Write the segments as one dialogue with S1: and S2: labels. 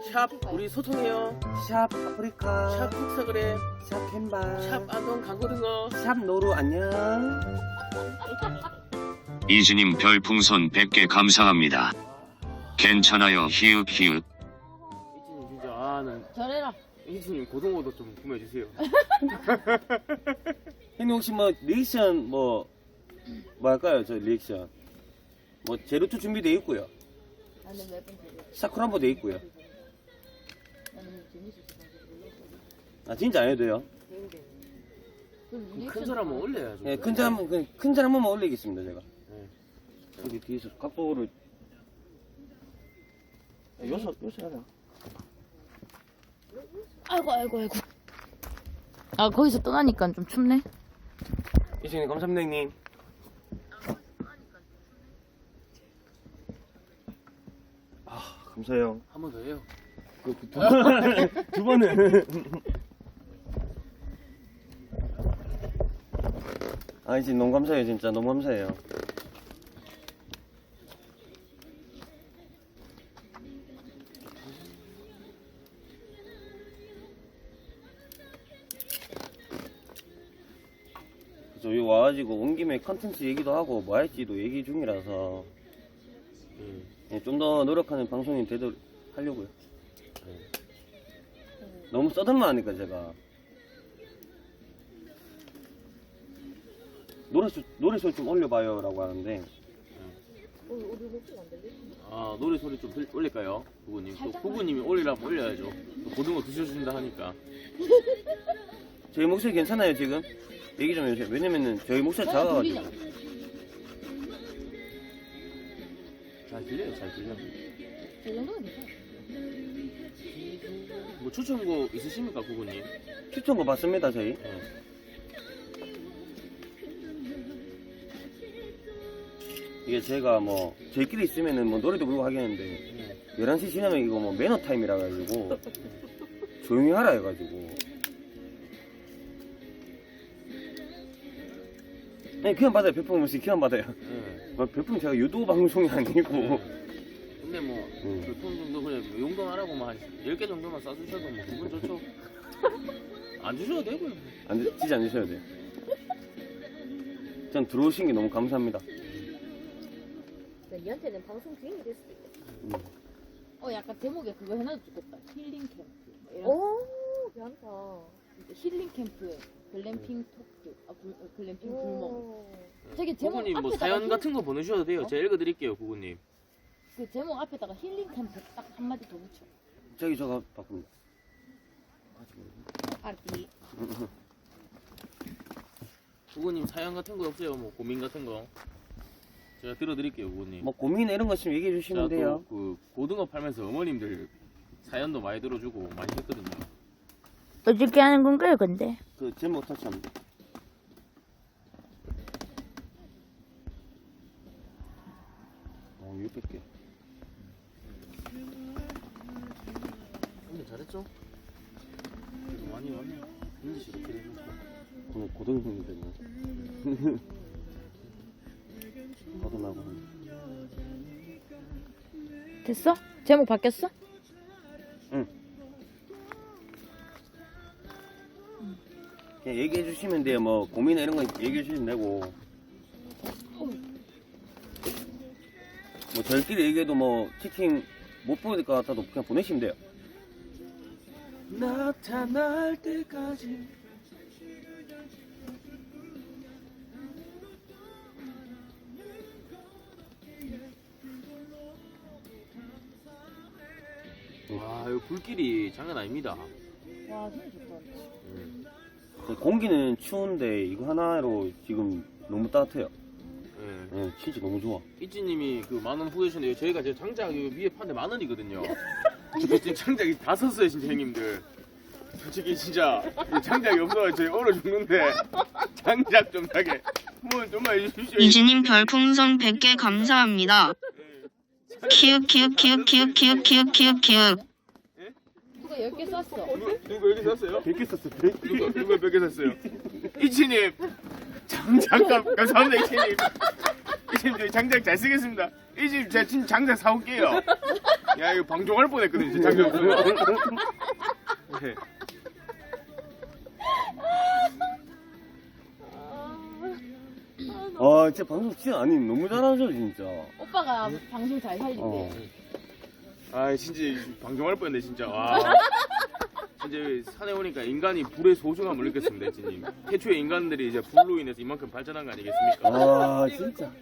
S1: 샵 우리 소통해요.
S2: 샵 아프리카,
S1: 샵 흑사 그래.
S2: 샵 캔바,
S1: 샵 아동 강고등어.
S2: 샵 노루 안녕.
S3: 이즈님 별풍선 100개 감사합니다. 괜찮아요 히읗 히읗.
S1: 이진님 진짜 아는
S4: 잘해라.
S1: 이진님 고등어도 좀 구매해 주세요.
S2: 형님 혹시 뭐 리액션 뭐 할까요? 저 리액션 뭐 제로투 준비돼 있고요.
S4: 나는 몇번 되게.
S2: 사쿠란보 돼 있고요.
S4: 나는 재밌었어.
S2: 아 진짜 안 해도 돼요?
S1: 큰 사람은 올려야죠.
S2: 네, 큰 사람 한 번만 올리겠습니다 제가.
S1: 네.
S2: 여기 뒤에서 각도를 요소 하자.
S4: 아이고. 아 거기서 떠나니까 좀 춥네.
S2: 이승님 감사합니다 형님. 아 감사해요.
S1: 한 번 더 해요.
S2: 두 번은. 아 이제 너무 감사해요 진짜 너무 감사해요. 그래서 여기 와가지고 온 김에 컨텐츠 얘기도 하고 뭐 할지도 얘기 중이라서 좀 더 노력하는 방송이 되도록 하려고요. 너무 써들만 하니까 제가 노래 소리 좀 올려봐요 라고 하는데
S1: 아 노래 소리 좀 올릴까요? 부부님. 또 부부님이 올리라면 올려야죠. 또 고등어 드셔준다 하니까.
S2: 저희 목소리 괜찮아요 지금? 얘기 좀 해주세요. 왜냐면은 저희 목소리 작아가지고.
S1: 잘 들려요, 잘 들려.
S4: 저 정도면 괜찮아.
S1: 뭐 추천곡 있으십니까, 부부님?
S2: 추천거 봤습니다 저희.
S1: 네.
S2: 이게 제가 뭐 저희끼리 있으면은 뭐 노래도 부르고 하겠는데 11시 지나면 이거 뭐 매너 타임이라 가지고 조용히 하라 해가지고 네 그냥 받아요. 별풍 없이 그냥 받아요.
S1: 네.
S2: 별풍 제가 유도 방송이 아니고
S1: 근데 뭐, 교통 정도 그래, 용돈하라고 뭐 한 10개 정도만 싸주셔도 뭐 기분 좋죠? 안 주셔도 되고요.
S2: 진짜 안 주셔도 돼요. 전 들어오신 게 너무 감사합니다.
S5: 니한테는 방송 주인이 될 수도 있겠다.
S4: 약간 제목에 그거 해놔도 좋겠다. 힐링 캠프. 뭐 이런
S5: 오, 괜찮다.
S4: 힐링 캠프에 글램핑 토크, 글램핑 불멍.
S5: 오.
S4: 되게 제목
S1: 구구님 뭐
S4: 앞에다가
S1: 사연 같은 거 보내주셔도 돼요. 제가 읽어드릴게요, 구구님.
S4: 그 제목 앞에다가 힐링 캠프 딱 한마디 더 붙여.
S2: 저기 저거 바꿉니다.
S4: 알았지.
S1: 구구님 사연 같은 거 없어요? 뭐 고민 같은 거? 제가 들어드릴게요, 구구님.
S2: 뭐 고민 이런 거 있으면 얘기해 주시면
S1: 제가
S2: 돼요.
S1: 또 그 고등어 팔면서 어머님들 사연도 많이 들어주고 많이 했거든요.
S4: 어떻게 하는 건가요, 근데?
S2: 그 제목 터치합니다. 어 600개.
S1: 근데 잘했죠? 그래도 많이 왔네. 인지시 이렇게 해놓고.
S2: 오늘 고등생이 됐네. 거듭나고.
S4: 됐어? 제목 바뀌었어?
S2: 응. 그냥 얘기해 주시면 돼요. 뭐 고민 이런 거 얘기해 주시면 되고. 뭐 저희끼리 얘기해도 뭐 치킨 못 보낼 것 같아도 그냥 보내시면 돼요.
S1: 나타날 때까지. 와, 이거 불길이 장난 아닙니다.
S4: 와, 진짜 좋다.
S2: 공기는 추운데 이거 하나로 지금 너무 따뜻해요.
S1: 예.
S2: 네, 진짜 너무 좋아.
S1: 이찌님이 그 만원 후회주셨는데 저희가 지금 장작 위에 파는데 10,000원이거든요. 근데 지금 장작이 다 썼어요, 진짜 형님들. 솔직히 진짜 이 장작이 없어서 저희 얼어 죽는데 장작 좀 사게 뭐 좀만 해주십시오.
S6: 이즈님 별풍선 100개 감사합니다. 키읔
S4: 누가 10개 쐈어?
S1: 누가 여기 샀어요?
S2: 100개 썼어. 100개.
S1: 누가 몇 개 샀어요? 이치님 장작 감사합니다 이신님. 이신님 저희 장작 잘 쓰겠습니다. 이신님 제가 진짜 장작 사올게요. 야 이거 방종할 뻔했거든요. 진짜 장작 없으면. 네.
S2: 아 진짜 방송 진짜 아니 너무 잘하죠 진짜.
S4: 오빠가 방송 잘 살린대.
S2: 어.
S1: 아 진짜 방종할 뻔했네 진짜. 와. 진짜 산에 오니까 인간이 불의 소중함을 느꼈습니다, 이진님. 태초에 인간들이 이제 불로 인해서 이만큼 발전한 거 아니겠습니까?
S2: 아 진짜.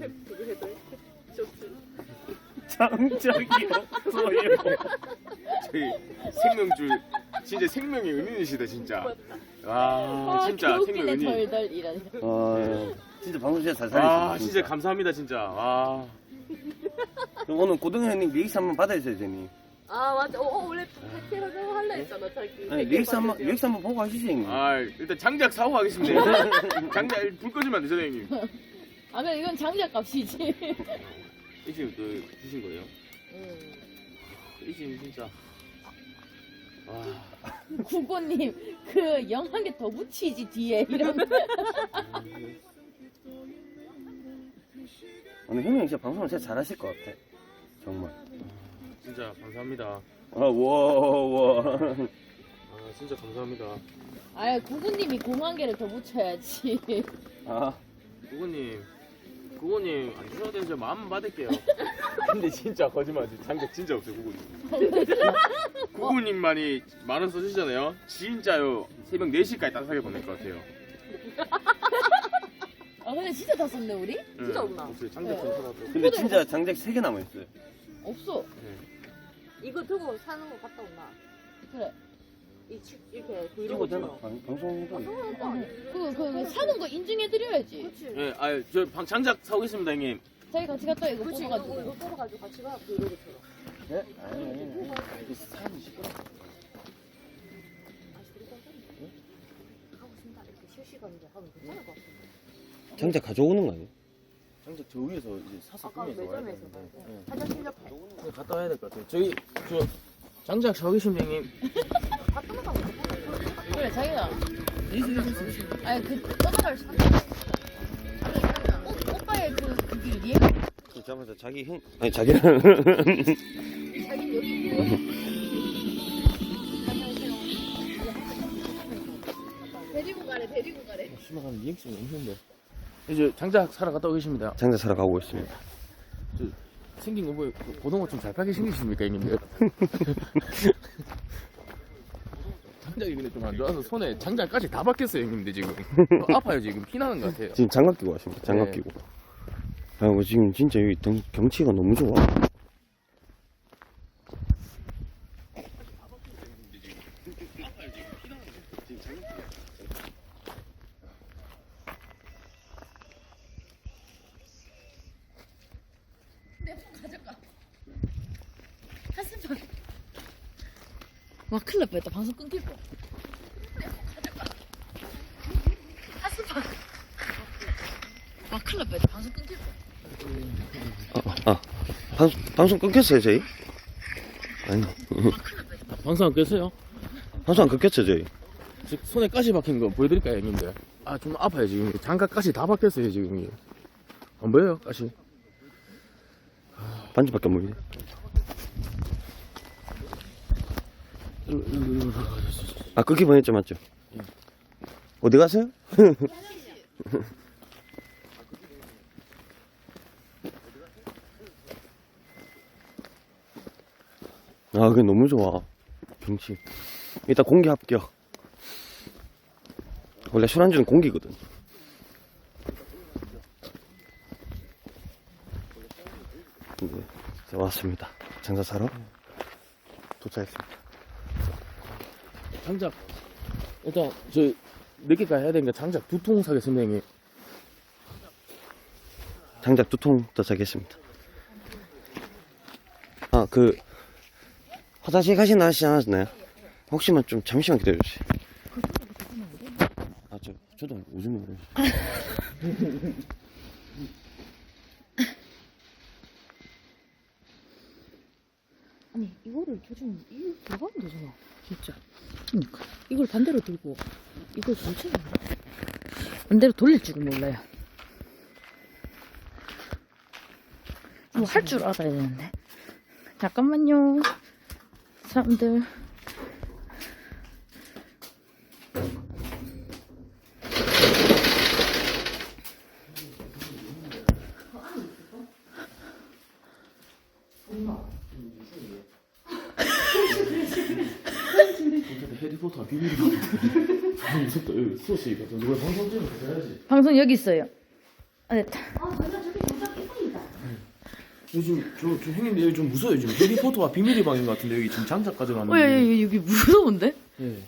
S2: 장작이 없어요.
S1: 저희 생명줄 진짜 생명의 은인이시다 진짜. 와 진짜 생명
S4: 개웃기네
S1: 은인.
S4: 덜덜 이러네.
S2: 아 진짜 방송 진짜 잘 살리시네.
S1: 아 진짜 감사합니다 진짜. 와.
S2: 그럼 오늘 고등어 형님 리액스 한번 받아주세요 제니.
S5: 아 맞아. 원래 백개 하자고 할래 했잖아 자기.
S2: 아니 리액스 한번 보고 하시죠 형님.
S1: 아 일단 장작 사고 가겠습니다. 장작 불 꺼주면 안 되잖아요 형님.
S4: 아 근데 이건 장작 값이지.
S1: 이지금 또 주신 거예요? 이지금 진짜. 와.
S4: 구고님 그 영 한 개 더 붙이지 뒤에 이런.
S2: 오늘 형님 진짜 방송을 진짜 잘하실 것 같아. 정말.
S1: 진짜 감사합니다.
S2: 아 와.
S1: 아 진짜 감사합니다.
S4: 아 구구님이 공 한 개를 더 붙여야지.
S2: 아
S1: 구구님 안 주셔도 되죠. 마음만 받을게요. 근데 진짜 거짓말이지. 장작 진짜 없어요 구구님. 구구님만이 만원 써주시잖아요. 진짜요. 새벽 4시까지 따뜻하게 보낼 것 같아요.
S4: 아 근데 진짜 다 썼네 우리?
S5: 진짜 없나?
S1: 없어요. 장작 좀 사라도.
S2: 근데 진짜 장작 3개 남아있어요.
S4: 없어.
S5: 이거 들고 사는 거 갔다 온나?
S4: 그래.
S5: 이렇게
S2: 이거 되나?
S5: 브이로그처럼.
S2: 방송해도
S4: 그 사는 거 인증해드려야지.
S5: 그렇지.
S1: 예, 저 장작 사오겠습니다 형님.
S4: 저희 같이 갔다 이거
S5: 그렇지.
S4: 뽑아가지고.
S5: 이거 뽑아가지고 같이 가 브이로그처럼.
S2: 네? 아니 이게 사람이 시끄러.
S5: 아 그리고 하고 싶다 이렇게 실시간으로 하면 괜찮을 것 같은데.
S2: 장작 가져오는 거 아니에요?
S1: 장작 저 위에서 이제 사서
S5: 아까 매점에서 화장실 옆에.
S1: 갔다 와야 될 것 같아요. 저기 저 장작 사오겠습니다 형님.
S5: 갔다 나가.
S4: 그래 자기가. 아니 그 떠나갈 수. 오빠의 그게 이해가.
S2: 잠깐만 자기 형 아니 자기랑
S5: 자기 여기
S4: 데리고 가래.
S1: 심각한 리액션이 없는데. 이제 장작 사러 갔다 오겠습니다.
S2: 장작 사러 가고 있습니다.
S1: 생긴 거 보여. 고등어 좀 잘 파게 생기십니까 형님들? 장작이 근데 좀 안 좋아서 손에 장작까지 다 박혔어요 형님들 지금. 아파요 지금 피나는 것 같아요.
S2: 지금 장갑 끼고 왔습니다. 장갑
S1: 네.
S2: 끼고. 아, 지금 진짜 여기 경치가 너무 좋아.
S4: 한숨만. 와 큰일 날 뻔했다. 방송 끊길 뻔. 한숨만. 와 큰일 날 뻔했다. 방송 끊길 뻔.
S2: 방송 끊겼어요, 저희? 아니,
S1: 방송 안 깼어요?
S2: 방송 안 끊겼죠, 저희?
S1: 지금 손에 가시 박힌 거 보여드릴까요 형님들? 아 좀 아파요 지금. 장갑 가시 다 박혔어요 지금. 안 보여요 가시?
S2: 반지밖에 안 보이네. 아, 끊기 보냈죠, 맞죠? 어디 가세요? 아, 그게 너무 좋아. 경치. 일단 공기 합격. 원래 술안주는 공기거든. 네, 이제 왔습니다. 장사 사러 도착했습니다.
S1: 장작 일단 저 늦게까지 해야 되니까 장작 2통 사겠습니다 형님.
S2: 장작 2통 도착했습니다. 아, 화장실 가시나 하시지 않았나요? 혹시만 좀 잠시만 기다려주세요. 아, 저도 오줌이 오래.
S4: 아니 이거를 도중 이거 들어가면 되잖아. 진짜. 그러니까 이걸 반대로 들고 이걸 붙여야 돼. 반대로 돌릴 줄은 몰라요. 뭐 할 줄 알아야 되는데. 잠깐만요. 사람들.
S1: 해리포터 비밀이다. 무섭다. 여기 소시 같은 누가 방송 찍으면 해야지.
S4: 방송 여기 있어요. 아, 됐다.
S1: 요즘 저 형님들 여기 좀 무서워요. 지금 해리포터와 비밀의 방인 것 같은데 여기 지금 장작 가져가는.
S4: 여기 무서운데?
S1: 예.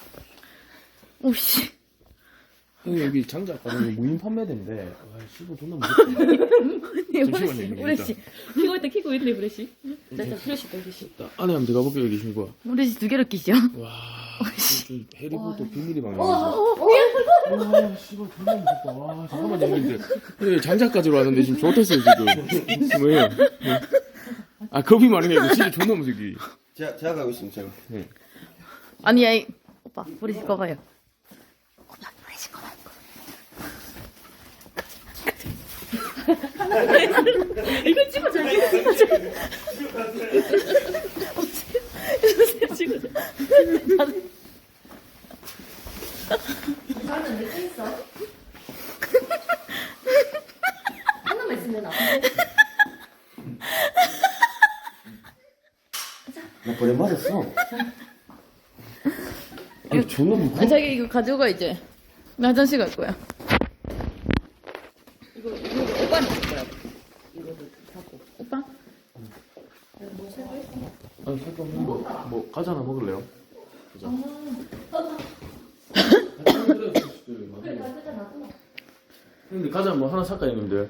S4: 오씨.
S1: 형님 여기 장작 가져가는 무인 판매대인데. 와, 시고 존나 무섭다. 잠시만요.
S4: 우레씨. 키고 있네, 우레씨. 나 프레시.
S1: 안에 한번 들어가 볼게요. 여기 신고.
S4: 우레씨 2개를 끼죠?
S1: 와, 좀 해리포터 비밀의 방이야. 와, 씨발 존나 무섭다. 와, 잠깐만요, 형님들. 예, 장작까지로 왔는데 지금 좋댔어요 지금. 뭐예요? 예. 아, 겁이 많은 게 아니고 진짜 존나 무섭기.
S2: 제가 가고 있습니다. 제가.
S1: 네.
S4: 아니, 오빠, 우레씨 꺼봐요. 오빠, 우레씨 꺼봐. 이거 찍어줘. 찍어줘.
S5: 나는 왜 있어? 하나만 있으면 나.
S2: 나 벌에 맞았어.
S1: 아니, 존나 무서워.
S4: 아, 자기 이거 가져가 이제. 나 화장실 갈 거야. 이거 오빠는 줄 거야. 이거 갖고. 오빠?
S1: 아니, 잠깐 뭐 과자 하나 먹을래요? 과자. 형님들 과자 뭐 하나 살까요, 형님들?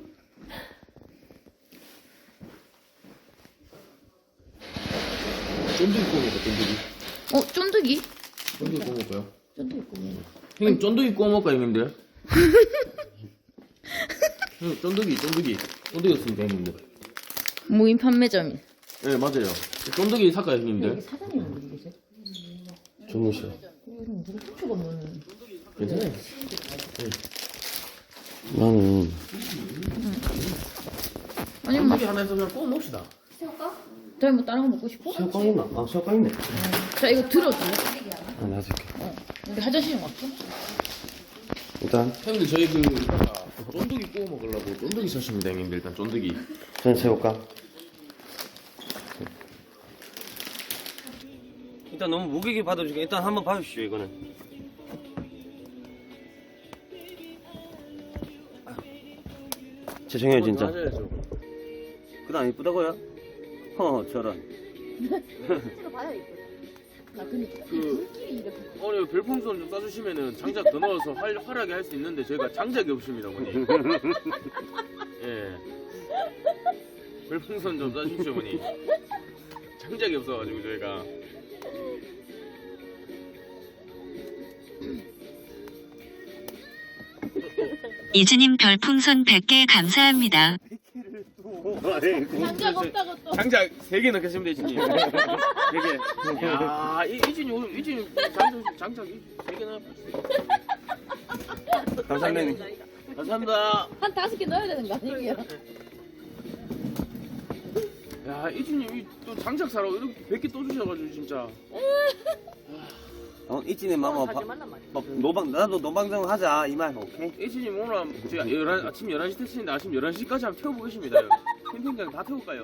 S1: 쫀득이 구워 먹을까, 쫀득이?
S4: 쫀득이?
S1: 쫀득이 구워 먹을까요?
S4: 쫀득이 구워.
S1: 형님 쫀득이 구워 먹을까요, 형님들? 형님 쫀득이 없습니다, 형님들.
S4: 무인 판매점이.
S1: 네, 맞아요. 쫀득이 살까요, 형님들?
S4: 여기 사장님 어디 계세요?
S1: 정우 씨요.
S4: 요즘 누구 훔쳐가 없는.
S1: 괜찮아요.
S2: 나는
S4: 아니, 뭐,
S1: 쫀득이 하나 해서 그냥 구워 먹읍시다.
S4: 저희 뭐 다른 거 먹고 싶어?
S2: 새우깡 있나? 아, 새우깡 있네.
S4: 자, 이거 들어줄래?
S2: 아, 놔줄게.
S4: 우리 화장실 좀 왔어?
S2: 일단
S1: 형님들 저희 그 이따가 쫀득이 구워 먹으려고 쫀득이 사십니다, 형님들. 일단 쫀득이.
S2: 저는 새우깡. 일단 너무 무게게 받아주니까 일단 한번 봐주시죠 이거는. 죄송해요 진짜.
S1: 하셔야죠.
S2: 그다음 이쁘다고요? 저런.
S5: 찍어봐야 이거. 나 근데
S1: 그 어머니 별풍선 좀 쏴주시면은 장작 더 넣어서 활하게 할 수 있는데 저희가 장작이 없습니다, 어머니. 예. 별풍선 좀 쏴주십시오, 어머니. 장작이 없어가지고 저희가.
S6: 이즈님 별풍선 100개 감사합니다.
S4: 장작 없다고 또.
S1: 장작 3개 넣겠습니다, 이진님. 3개. 야, 이진이 장작 3개 넣어.
S2: 감사합니다.
S1: 감사합니다.
S4: 한 5개 넣어야 되는 거 아니에요?
S1: 야, 이진님 또 장작 사러 이렇게 100개 또 주셔가지고 진짜.
S2: 이진의 마마 나도 노방정 하자 이 말 오케이?
S1: 이진님 오늘 제가 아침 11시 택시인데 아침 11시까지 한번 태워보겠습니다. 캠핑장 다 태울까요?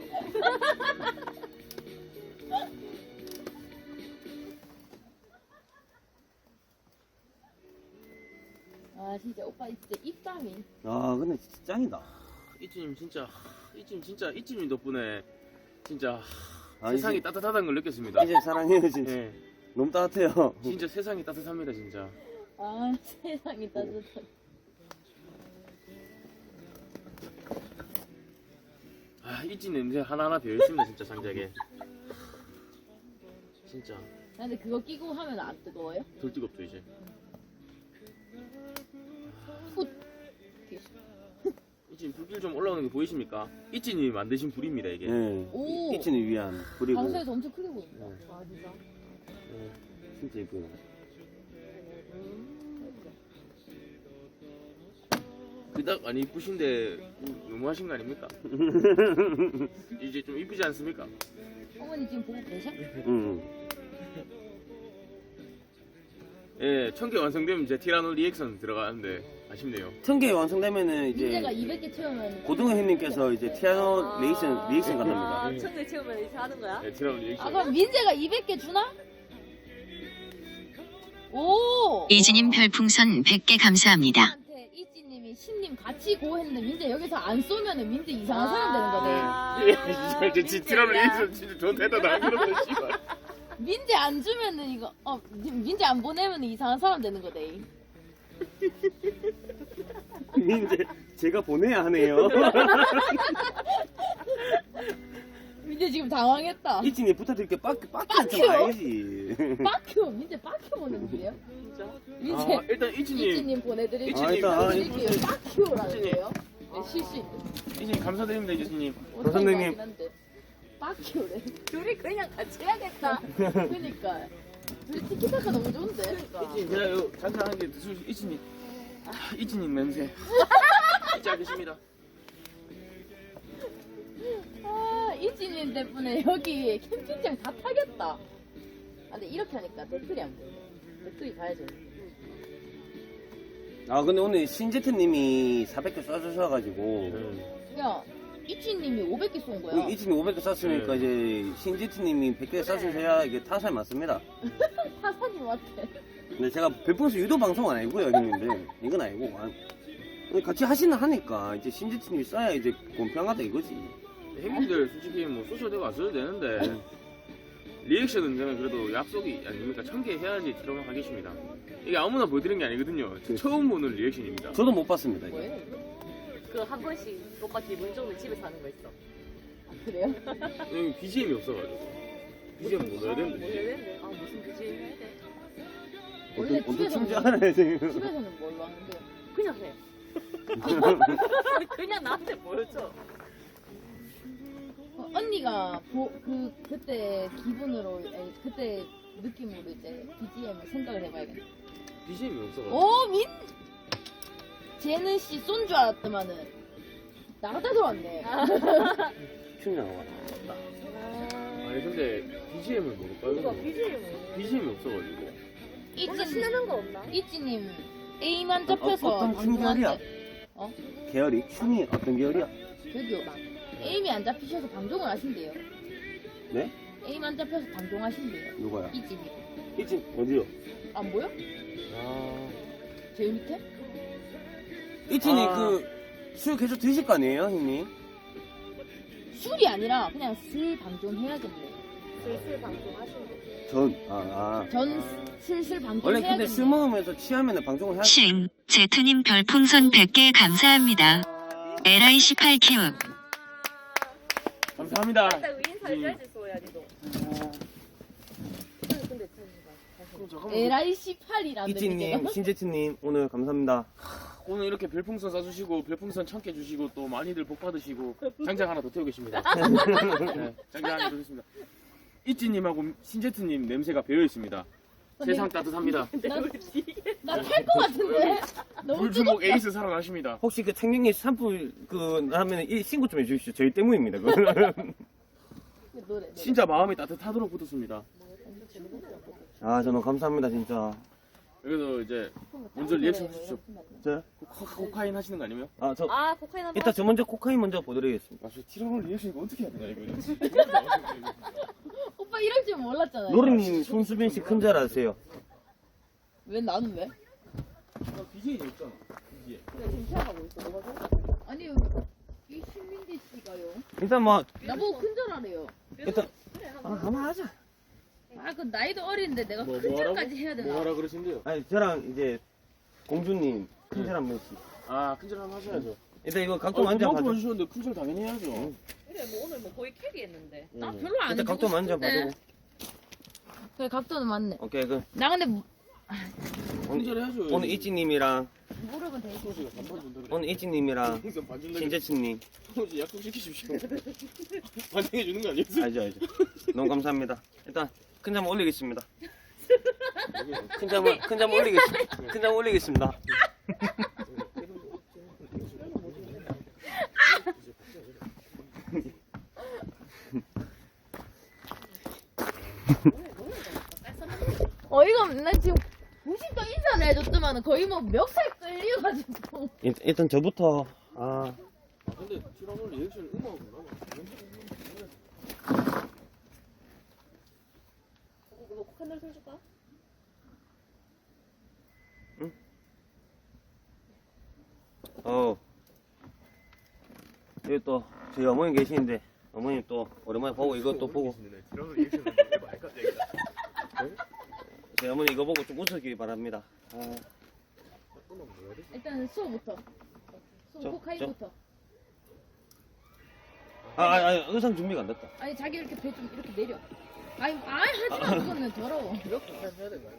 S4: 아, 진짜 오빠 진짜 입담이.
S2: 아 근데 진짜 짱이다.
S1: 이진님 덕분에 진짜
S2: 아,
S1: 세상이 따뜻하다는 걸 느꼈습니다.
S2: 이제 사랑해요 진짜.
S1: 예,
S2: 너무 따뜻해요.
S1: 진짜 세상이 따뜻합니다, 진짜.
S4: 아, 세상이 따뜻해.
S1: 아, 이진 냄새 하나하나 배어 있습니다, 진짜 장작에. 진짜
S4: 근데 그거 끼고 하면 안 뜨거워요?
S1: 덜 뜨겁죠 이제. 이진 불길 좀 올라오는 게 보이십니까? 이진이 만드신 불입니다 이게.
S2: 네.
S4: 오.
S2: 이진을 위한 그리고
S4: 방송에서 엄청 크게 보인다.
S5: 아 진짜.
S2: 진짜 이쁘요.
S1: 딱 안 이쁘신데 너무하신 거 아닙니까? 이제 좀 이쁘지 않습니까?
S4: 어머니 지금 보고 계셔?
S1: 예, 1000개 완성되면 이제 티라노 리액션 들어가는데 아쉽네요.
S2: 1000개 완성되면은
S4: 민재가
S2: 이제
S4: 200개 채우면
S2: 고등어 형님께서 이제 티아노 리액션
S5: 아,
S2: 간답니다.
S5: 천개 채우면 이제 하는 거야?
S1: 예, 티라노 리액션.
S4: 아 그럼 민재가 200개 주나? 오!
S6: 이지님 별풍선 100개 감사합니다.
S4: 한테 이지님이 신님 같이 고 했는데 민재 여기서 안 쏘면은 민재 이상한 사람 되는 거네.
S1: 예, 이제 티라노 리액션 진짜 좋은 데다 남기는 씨발.
S4: 민재 안 주면은 이거 민재 안 보내면은 이상한 사람 되는 거네.
S2: 이제 제가 보내야 하네요.
S4: 민재 지금 당황했다.
S2: 이진이 부탁드릴게 빠큐 좀
S4: 빠큐?
S2: 알지.
S4: 빠큐 민재 빠큐 보내는데요?
S5: 진짜?
S4: 민재
S1: 아, 일단 이치님,
S4: 이지님 보내드릴게요.
S1: 이지님,
S4: 보내드릴게요. 빠큐라는
S1: 이지님.
S4: 거예요? 네, 실수 있는.
S1: 이치님 감사드립니다, 이치님.
S2: 선생님.
S4: 빠큐래.
S5: 둘이 그냥 같이 해야겠다.
S4: 그니까. 둘이 티키타카 너무 좋은데.
S1: 이치님, 제가 요 잠깐 한개 드실 이치님. 이치님 냄새. 잊지 않겠습니다.
S4: 아, 이지님 덕분에 여기 캠핑장 다 타겠다. 아, 근데 이렇게 하니까 댓글이 안 보여. 댓글이 봐야죠.
S2: 아 근데 오늘 신제트님이 400개 쏴주셔가지고
S4: 야, 이지님이 500개 쏜 거야.
S2: 이진이 500개 쐈으니까
S1: 네.
S2: 이제 신제트님이 100개 쏴주셔야 이게 타살 맞습니다.
S4: 타산이 왔대.
S2: 근데 제가 별풍선 유도 방송은 아니고요 형님들. 이건 아니고 같이 하니까 이제 신제트님이 쏴야 이제 공평하다 이거지.
S1: 형님들 솔직히 뭐 쏘셔도 되고 안 써도 되는데 리액션은 저는 그래도 약속이 아닙니까? 1000개 해야지 티라노 하겠습니다. 이게 아무나 보여드리는 게 아니거든요. 처음 보는 리액션입니다.
S2: 저도 못 봤습니다. 이게.
S4: 뭐예요?
S5: 그 한 번씩 오빠 기분 좋으면 집에서 하는 거 있어.
S4: 아, 그래요?
S1: 여기 BGM이 없어가지고 BGM 뭐 넣어야
S5: 뭐
S1: 되는데.
S5: 해야 되는데? 아 무슨 BGM 해야 돼?
S4: 원래
S2: 어떤 춤지
S4: 집에서는-
S2: 알아요 지금.
S4: 집에서는 뭘로 하는데?
S5: 그냥 해. 그냥 나한테 보여줘.
S4: 언니가 그때 기분으로 아니, 그때 느낌으로 이제 BGM을 생각을 해봐야겠네.
S1: BGM이 없어가지고.
S4: 오 쟤는 씨 쏜 줄 알았더만은 나갔다 들어왔네.
S2: 춤이 나와.
S1: 아니 근데 BGM을 모를까요?
S5: 이거 BGM.
S1: BGM이 없어가지고.
S5: 뭔가
S4: 이지
S5: 신나는 거 없나?
S4: 이지님 A만 잡혀서
S2: 어떤 춤 계열이야?
S4: 어?
S2: 계열이? 춤이 어떤 계열이야?
S4: 저기요. A이 안 잡히셔서 방종을 하신대요.
S2: 네?
S4: A만 잡혀서 방종하신대요.
S2: 누가요?
S4: 이지님.
S2: 이진 어디요?
S4: 안 보여?
S1: 아.
S4: 제일 밑에?
S2: 이진이
S1: 아.
S2: 술 계속 드실 거 아니에요 형님?
S4: 술이 아니라 그냥 슬 방종해야겠네.
S5: 슬슬 방송하시는
S4: 전 슬슬
S2: 원래
S4: 방종해야겠네.
S2: 근데 술 먹으면서 취하면 방송을 해야
S6: 싱, 제트님 별풍선 100개 감사합니다. LI18Q.
S1: 감사합니다.
S5: 딱 인사를 해야지 소야지도. 근데
S1: 잠깐만.
S4: LI18이라는
S2: 이진님, 신제트님 오늘 감사합니다.
S1: 오늘 이렇게 별풍선 쏴주시고 별풍선 1000개 주시고 또 많이들 복 받으시고 장작 하나 더 태우겠습니다. 네, 장작 하나 더 주겠습니다. 이찌님하고 신제트님 냄새가 배어 있습니다. 세상 따뜻합니다.
S4: 나탈 것 같은데? 너무
S1: 물주먹
S4: 뜨겁다.
S1: 에이스 사랑하십니다.
S2: 혹시 그 청량리 산불 하면 신고 좀 해주십시오. 저희 때문입니다.
S4: 노래.
S1: 진짜 마음이 따뜻하도록 붙었습니다.
S2: 아 저는 감사합니다 진짜.
S1: 그래서 이제 먼저 리액션 해주십시오.
S2: 저?
S1: 코카인 하시는 거 아니면?
S2: 저
S5: 아 코카인 한번.
S2: 이따 저 먼저 코카인 먼저 보드리겠습니다.
S1: 아, 저 티라노 리액션 이거 어떻게 해야 되나 이거.
S4: 오빠 이럴 줄 몰랐잖아요.
S2: 노래님 손수빈 씨 큰 잘 아세요?
S4: 왜 나는 왜?
S1: BJ 없잖아. BJ.
S5: 그래 지금 생각하고 있어. 뭐가
S4: 아니 이 신민지 씨가요.
S2: 일단 뭐
S4: 나보고 큰절하래요.
S2: 일단 한번 하자.
S4: 아 그 나이도 어린데 내가
S1: 뭐
S4: 큰절까지
S1: 하라고?
S4: 해야 되나?
S1: 뭐 하라 그러신데요?
S2: 아니 저랑 이제 공주님 큰 절 한 번씩.
S1: 아, 큰절 한번 하셔야죠.
S2: 일단 이거 각도 앉아
S1: 그만큼
S2: 봐줘.
S1: 해주셨는데 큰절 당연히 해야죠.
S5: 그래 뭐 오늘 뭐 거의 캐리했는데.
S4: 나 별로 안
S2: 일단
S4: 해주고
S2: 각도 앉아
S4: 싶은데.
S2: 봐줘.
S4: 그래 각도는 맞네.
S2: 오케이 그
S4: 나 근데
S1: 큰절 해야죠.
S2: 오늘 이찌님이랑
S4: 무릎은 되게
S1: 소시가 반반 준다.
S2: 오늘 이찌님이랑
S1: 풍선 반 준다.
S2: 신재치님
S1: 소시 약속 시키십시오. 반장해 주는 거 아니었어요?
S2: 알죠. 너무 감사합니다. 일단 큰 점 올리겠습니다. 큰 점 올리겠습니다.
S4: 어이가 없네. 난 지금 90도 인사를 해줬더만 거의 뭐 멱살 끌려가지고.
S2: 일단 저부터 아
S1: 근데 티라노 리액션 음악은
S4: 이거 칸들 써줄까?
S2: 여기 또 저희 어머님 계시는데 어머님 또 오랜만에 보고 이것도 보고
S1: 티라노 리액션 해봐 갑자기.
S2: 저희 어머니 이거 보고 좀 웃으시기 바랍니다.
S4: 일단 수호부터. 수호
S2: 저,
S4: 코카인부터.
S2: 의상 준비가 안 됐다.
S4: 아니 자기 이렇게 배 좀 이렇게 내려. 아니 하지마 그거는 더러워.
S1: 이렇게 해야 되는 거야?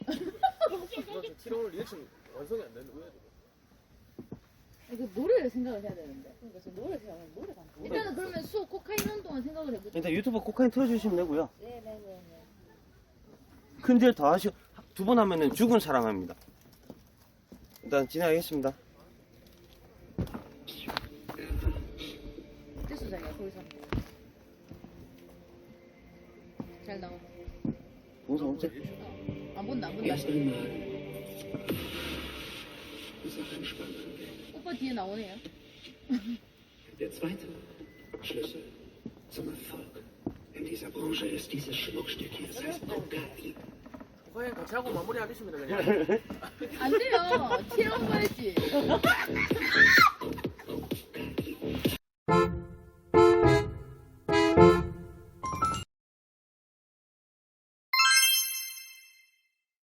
S1: 티라노 리액션 완성이 안 되는데 왜?
S4: 이거 노래를 생각을 해야 되는데. 그러니까 지금 노래 생각하면 노래가 안 돼. 일단은 그러면 수호 코카인 하는 동안 생각을 해보자.
S2: 일단 유튜브 코카인 틀어주시면 되고요.
S4: 네네네.
S2: 큰절 더 하시고 2번 하면은 죽은 사랑합니다. 일단 진행하겠습니다.
S4: 됐어 자기야 거기서. 잘 나와.
S2: 동상 없지?
S4: 안 본다 안 본다. 오빠 뒤에 나오네요.
S7: Der zweite Schlüssel zum Erfolg in dieser Branche ist dieses Schmuckstück hier. Das heißt Bugatti.
S1: 과연 같이 하고 마무리하겠습니다 그냥.
S4: 안 돼요. 티라노 해야지.